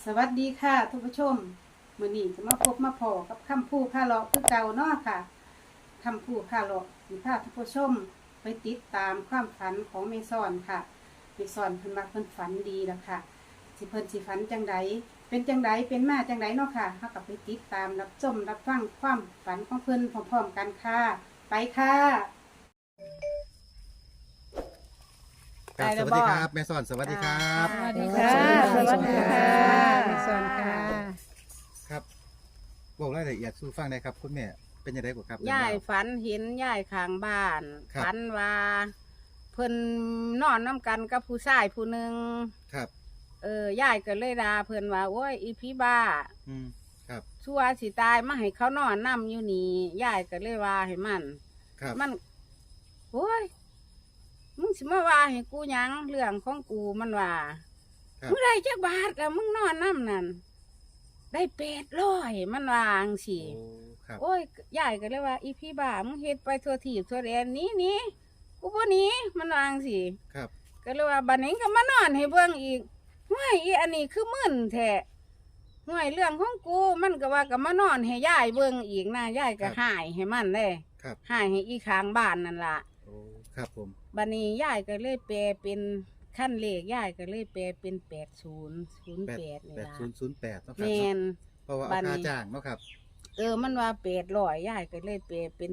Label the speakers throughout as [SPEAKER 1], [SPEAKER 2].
[SPEAKER 1] สวัสดีค่ะทุกผู้ชมมื้อนี้จะมาพบมาพอกับคำพูพาเลาะคือเก่าเนาะค่ะคำพูพาเลาะสิพาทุกผู้ชมไปติดตามความฝันของเมซอนค่ะเมซอนเพิ่นว่าเพิ่นฝันดีแล้วค่ะสิเพิ่นสิฝันจังไดเป็นจังไดเป็นมาจังไดเนาะค่ะเฮาก็ไปติดตามรับชมรับฟังความฝันของเพิ่นพร้อมๆกันค่ะไปค่ะ
[SPEAKER 2] ครับสวัสดีครับแม่สอนสวัสดีครับ
[SPEAKER 1] สวัสดีค่ะ
[SPEAKER 3] สวัสดีค่ะ
[SPEAKER 1] เมซอนค่ะ
[SPEAKER 2] ครับบอกรายละเอียดสู่ฟังได้ครับคุณแม่เป็นยังไงกว่าครับ
[SPEAKER 3] ยายฝันเห็นยายข้างบ้าน
[SPEAKER 2] ครับ
[SPEAKER 3] ฝันว่าเพิ่นนอนน้ำกันกับผู้ชายผู้หนึ่ง
[SPEAKER 2] ครับ
[SPEAKER 3] ยายก็เลยด่าเพิ่นว่าโอ้ยอีพี่บ้า
[SPEAKER 2] อืมครับ
[SPEAKER 3] ชั่วสิตายมาให้เขานอนนำอยู่นี่ยายก็เลยว่าให้มัน
[SPEAKER 2] ครับ
[SPEAKER 3] มันโอ้ยมึงสิมาว่าให้กูหยังเรื่องของกูมันว่า
[SPEAKER 2] ครับ
[SPEAKER 3] มึงได้จักบาทแล้วมึงนอนน้ำนั่นได้800มันว่าจังซี่
[SPEAKER 2] โอ้ครับ
[SPEAKER 3] โอ้ยยายก็เลยว่าอีพี่บ้ามึงเฮ็ดไปทั่วทีบทั่วแดนหนี้กูบ่หนี้มันวาจังสิ
[SPEAKER 2] ครับ
[SPEAKER 3] ก็เลยว่าบัดนี้ก็มานอนให้เบิ่งอีกห้วยอีอันนี้คือมึนแท้ห้วยเรื่องของกูมันก็ว่าก็มานอนให้ยายเบิ่งอีกนะยายก็หายให้มันเลย
[SPEAKER 2] ครับ
[SPEAKER 3] หายให้อีข้างบ้านนั่นล่ะ
[SPEAKER 2] โอ้ครับผม
[SPEAKER 3] บัดนี้ยายก็เลยแปลเป็นขั้นเลขยายก็เลยแปลเป็น8008นี่ล่ะ
[SPEAKER 2] 8008เนาะครั
[SPEAKER 3] แม่น
[SPEAKER 2] เพราะว่า
[SPEAKER 3] บัดนี้
[SPEAKER 2] ค่าจ้างเนาะครับ
[SPEAKER 3] มันว่า800ยายก็เลยแปลเป็น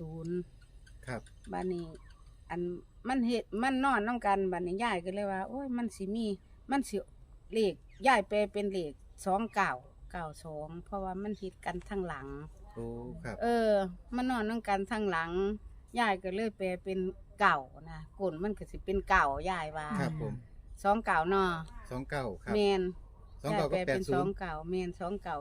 [SPEAKER 3] 80
[SPEAKER 2] ครับ
[SPEAKER 3] บัดนี้อันมันเฮ็ดมันนอนน้ำกันบัดนี้ยายก็เลยว่าโอ้ยมันสิมีมันสิเลขยายแปลเป็นเลข2992เพราะว่ามันเฮ็ดกันทางหลัง
[SPEAKER 2] โอ้ครับ
[SPEAKER 3] มันนอนน้ำกันทางหลังยายก็เลยแปลเป็นเก่านะกลมันก็สิเป็นเก่ายายว่า
[SPEAKER 2] ครับผม
[SPEAKER 3] 29เนาะ
[SPEAKER 2] 29ครับ
[SPEAKER 3] แม่น
[SPEAKER 2] 29
[SPEAKER 3] ยายแปล
[SPEAKER 2] กับ
[SPEAKER 3] เป็น
[SPEAKER 2] 80
[SPEAKER 3] 29แม่น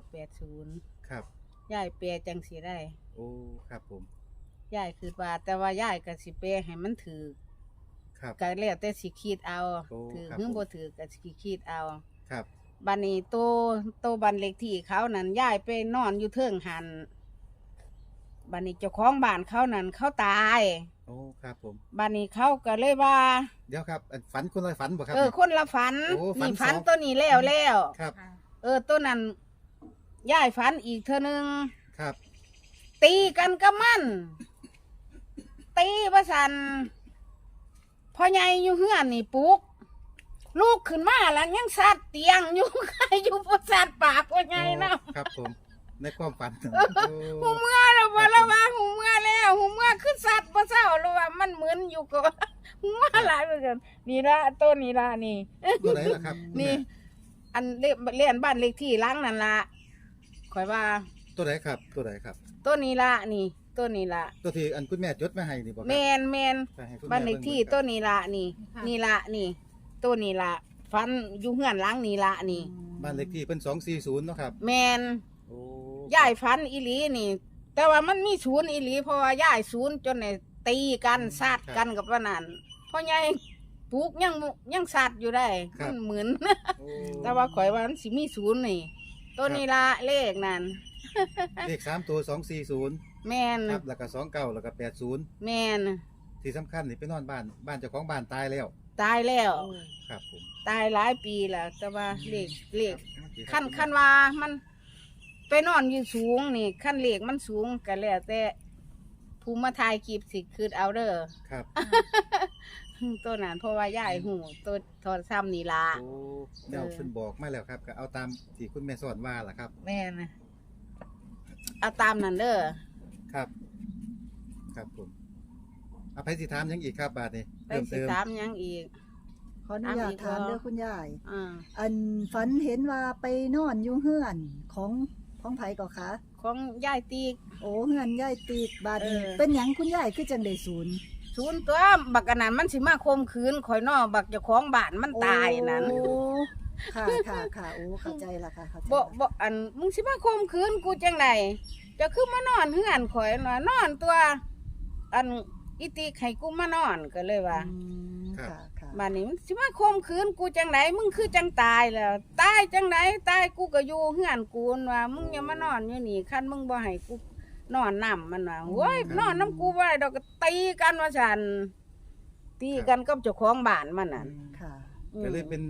[SPEAKER 3] 2980
[SPEAKER 2] ครับ
[SPEAKER 3] ยายแปลจังสิได้
[SPEAKER 2] โอ้ครับผม
[SPEAKER 3] ยายคิดว่าแต่ว่ายายก็สิแปลให้มันถือ
[SPEAKER 2] ครับ
[SPEAKER 3] ก็แล้วแต่สิคิดเอา
[SPEAKER 2] โอ้
[SPEAKER 3] ถือ
[SPEAKER 2] ครับ
[SPEAKER 3] หรือ
[SPEAKER 2] ผม
[SPEAKER 3] บ่ถือก็สิคิดเอา
[SPEAKER 2] ครับ
[SPEAKER 3] บัดนี้โตบันเล็กที่เขานั่นย้ายไปนอนอยู่เทิงหันบัดนี้เจ้าของบ้านเขานั่นเขาตาย
[SPEAKER 2] โอ้ครับผม
[SPEAKER 3] บัดนี้เขาก็เลยว่า
[SPEAKER 2] เดี๋ยวครับอันฝันคนละฝันบ่ครับ
[SPEAKER 3] คนละฝัน
[SPEAKER 2] โอ้ฝัน
[SPEAKER 3] นี่ฝัน
[SPEAKER 2] สอง
[SPEAKER 3] ตัวนี้แล้ว
[SPEAKER 2] ครับ
[SPEAKER 3] ตัวนั้นย้ายฝันอีกเทื่อนึง
[SPEAKER 2] ครับ
[SPEAKER 3] ตีกันกับมันตีประสันพ่อใหญ่อยู่เฮือนนี่ปลุกลูกขึ้นมาแล้วยังสัดเตียงอยู่ ใครอยู่ประสัดปากพ่อใหญ่เนาะ
[SPEAKER 2] โอ้ครับผมในความฝัน
[SPEAKER 3] หูเมื่อแล้วว่าแล้วว่าหูเมื่อแล้วหูเมื่อขึ้นสัตว์บ่เศร้าแล้วว่ามันเหมือนอยู่ก็หูเมื่อหลายเหมือนกันนี่ละต้นนี่ละนี่
[SPEAKER 2] ตัวไหนล่ะครับคุณ
[SPEAKER 3] นี่
[SPEAKER 2] แม่
[SPEAKER 3] อันเลียนบ้านเลขที่หล้างนั่นละข่อยว่า
[SPEAKER 2] ตัวไหนครับตัวไหนครับ
[SPEAKER 3] ต้นนี้ละนี่ต้นนี้ละ
[SPEAKER 2] ตัวที่อันคุณแม่จดมาให้นี่บ่ครั
[SPEAKER 3] แมน
[SPEAKER 2] ไปให้คุณแม่
[SPEAKER 3] บ้านเลขที่
[SPEAKER 2] บิ่ง
[SPEAKER 3] ต้นนี้ละนี่ นี่ละนี่ต้นนี้ละฟันอยู่เฮือนหล้างนี่ละนี่
[SPEAKER 2] บ้านเลขที่เป็น240เนาะครับ
[SPEAKER 3] แมน
[SPEAKER 2] โอ้
[SPEAKER 3] ย่ายฟันอีหลีนี่ แต่ว่ามันมีศูนย์อีหลีเพราะว่าย่ายศูนย์จนเนี่ยตีกันซาดกันกับว่านั่นเพราะยายปลูกยังซาดอยู่ได้มันเหมือน
[SPEAKER 2] โอ้
[SPEAKER 3] แต่ว่าข่อยว่ามันสิมีศูนย์นี่ตัวนี้ละเลขนั่น
[SPEAKER 2] เลข3ตัว240
[SPEAKER 3] แมน
[SPEAKER 2] ครับแล้วก็29แล้วก็80
[SPEAKER 3] แมน ที่
[SPEAKER 2] ที่สำคัญนี่ไปนอนบ้านเจ้าของบ้านตายแล้ว
[SPEAKER 3] ตายแล้ว
[SPEAKER 2] ครับผม
[SPEAKER 3] ตายหลายปีแล้วแต่ว่าเลขขั้นว่ามันไปนอนอยู่สูงนี่ขั้นเลขมันสูงกันแล้วแต่ภูมิมาทายคลิปสิคือเอาเด้อ
[SPEAKER 2] ครับ
[SPEAKER 3] ตัวนั้นเพราะว่าย่ายหูตัวโทรซ้ำนี่ละ
[SPEAKER 2] โอ้เจ้าเพิ่นบอกมาแล้วครับก็เอาตามที่คุณแม่สอนว่าล่ะครับ
[SPEAKER 3] แม่นะเอาตามนั้นเด้อ
[SPEAKER 2] ครับ ครับผมอภัยสิถามหยังอีกครับบาดนี้
[SPEAKER 3] ไป
[SPEAKER 2] เติม
[SPEAKER 3] สิ
[SPEAKER 2] เติม
[SPEAKER 3] ถามหยังอีก
[SPEAKER 4] ขออนุญาตถามเด้อคุณยาย
[SPEAKER 3] อ่า
[SPEAKER 4] อันฝันเห็นว่าไปนอนอยู่เฮือนของไผก็คะ
[SPEAKER 3] ของย่ายตีก
[SPEAKER 4] โอ้เฮือนยายตีกบาดนี้ เป็นหยังคุณยายคือจังได้ศูนย์
[SPEAKER 3] ศูนย์ตัวบักอันนั้นมันสิมาคมคืนข่อยนอบักเจ้าของบ้านมันตายนั่น
[SPEAKER 4] โอ้ค่ะค่ะค่ะโอ้เข้าใจละค่ะเข้าใจ
[SPEAKER 3] บ่อันมึงสิมาคมคืนกูจังไดจะคือมานอนเฮือนข่อยน่ะนอนตัว อันอีติให้กูมานอนก็เลยว่า
[SPEAKER 4] อืมค่ะค่ะ
[SPEAKER 3] บ้านนี้มันสิมาคมคืนกูจังไหนมึงคือจังตายแล้วตายจังไหนตายกูก็อยู่เฮือนกูนั่นว่ามึงอย่ามานอนอยู่นี่คันมึงบ่ให้กูนอนน้ำมันว่าโว้ยนอนน้ำกูบ่ได้ดอกก็ตีกันว่าฉันตีกันกับเจ้าของบ้านมันน่ะ
[SPEAKER 4] ค่ะ
[SPEAKER 3] อืม
[SPEAKER 2] ก็เลยเป็น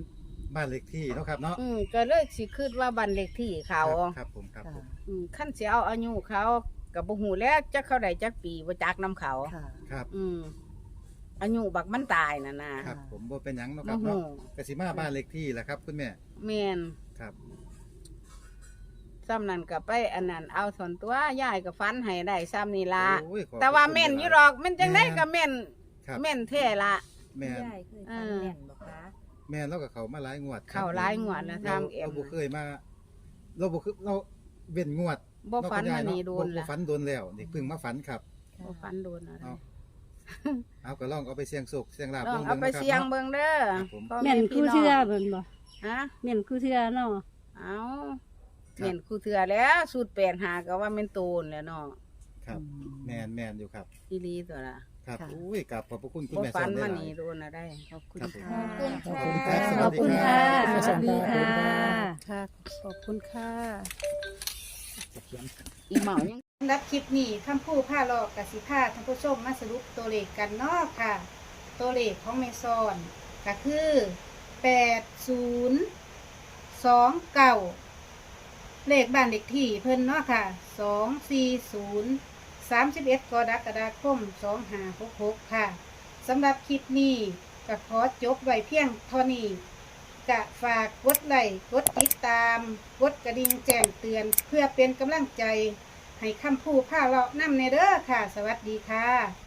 [SPEAKER 2] บ้านเลขที่เนาะครับเนาะ
[SPEAKER 3] ก็เลยสิคิดว่าบ้านเลขที่เขา
[SPEAKER 2] ครับผมครับผม
[SPEAKER 3] ขั้นสิเอาอายุเขากับบ่ฮู้แล้วจักเขาได้จักปีบ่จักนํเขา
[SPEAKER 4] ค่ะ
[SPEAKER 2] ครับ
[SPEAKER 3] อายุบักมันตายน่ะนะครับ
[SPEAKER 2] ผมบ่เป็นหยังเนาะค
[SPEAKER 3] บ่
[SPEAKER 2] รับ
[SPEAKER 3] ฮู้
[SPEAKER 2] เนาะกสิมาบ้านเลขที่แหละครับคุณแม่
[SPEAKER 3] แม่น
[SPEAKER 2] ครับ
[SPEAKER 3] ซ้ำนั้นก็ไปอันนั้นเอาส่วนตัวยายก็ฟันให้ได้ซ้ำนี่ล่ะ
[SPEAKER 2] โอ้ยขอบ
[SPEAKER 3] แต่ว่า
[SPEAKER 2] คุณ
[SPEAKER 3] แม่น
[SPEAKER 2] หล
[SPEAKER 3] อยู่หรอกแม่นจังได๋ก็แม่น
[SPEAKER 2] ครับ
[SPEAKER 3] แม่นแท้ละ
[SPEAKER 2] แม่น
[SPEAKER 5] ยายเคยฟันแม่นบ่คะ
[SPEAKER 2] แม่นเรากับเขามาหลายงวดครับ
[SPEAKER 3] เข้าหลายงวดแล้ว
[SPEAKER 2] เรา
[SPEAKER 3] ทำเอ็ม
[SPEAKER 2] บ่เคยมาเราบ่คือเราเว้นงวด
[SPEAKER 3] บ่ฝัน
[SPEAKER 2] เาะ
[SPEAKER 3] มานี่โดน
[SPEAKER 2] บ่
[SPEAKER 3] ละ
[SPEAKER 2] ฝันโดนแล้วนี่เพิ่งมาฝันครับ
[SPEAKER 3] บ่ฝันโดนอะไร
[SPEAKER 2] เอาเอาก็ลองเอาไปเสี่ยงโชคเสี่ยงลาภ
[SPEAKER 3] ลอง
[SPEAKER 2] บิ่
[SPEAKER 3] เอาไป
[SPEAKER 2] นะครับ
[SPEAKER 3] เสี่ยง
[SPEAKER 2] นาะ
[SPEAKER 3] เบิ่งเด้อ
[SPEAKER 2] ครับผม
[SPEAKER 3] พ่
[SPEAKER 6] แม่นคู่เทื่อเบิ่นบ่
[SPEAKER 3] ฮะ
[SPEAKER 6] แม่นคู่เทื่อเนาะ
[SPEAKER 3] เอาแม่นคู่เทื่อแล้วสูตร85ก็ว่าแม่นโตนแล้วเนาะ
[SPEAKER 2] ครับแม่นอยู่ครับ
[SPEAKER 3] อีหลีตัวละ
[SPEAKER 2] ครับ
[SPEAKER 4] ค่ะ
[SPEAKER 2] อุ้ยกราบขอบพระคุณคุณ
[SPEAKER 3] บ่
[SPEAKER 2] แม่ส
[SPEAKER 3] ฝั
[SPEAKER 2] อน นได้
[SPEAKER 3] มา
[SPEAKER 2] หลาย
[SPEAKER 3] นี่โดนอะไรขอบคุณ
[SPEAKER 2] ครับผม
[SPEAKER 3] ค่ะ
[SPEAKER 5] ขอบคุณค่ะ
[SPEAKER 2] ขอบคุณครับ
[SPEAKER 6] สวัสดีค่ะ
[SPEAKER 5] ค่ะ ขอบคุณค่ะ
[SPEAKER 3] อีเหมายัง
[SPEAKER 1] สำหรับคลิปนี้คำพูดผ้าหลอกกับสิผ้าท่านผู้ชมมาสรุปตัวเลขกันเนาะค่ะ ตัวเลขของเมซอนก็คือ8029เลขบ้านเลขที่เพิ่นเนาะค่ะ240 31กรกฎาคม2566ค่ะสำหรับคลิปนี้ก็ขอจบไว้เพียงเท่านี้ก็ฝากกดไลค์กดติดตามกดกระดิ่งแจ้งเตือนเพื่อเป็นกำลังใจให้คำพูดผ้าเลาะนำในเด้อค่ะ สวัสดีค่ะ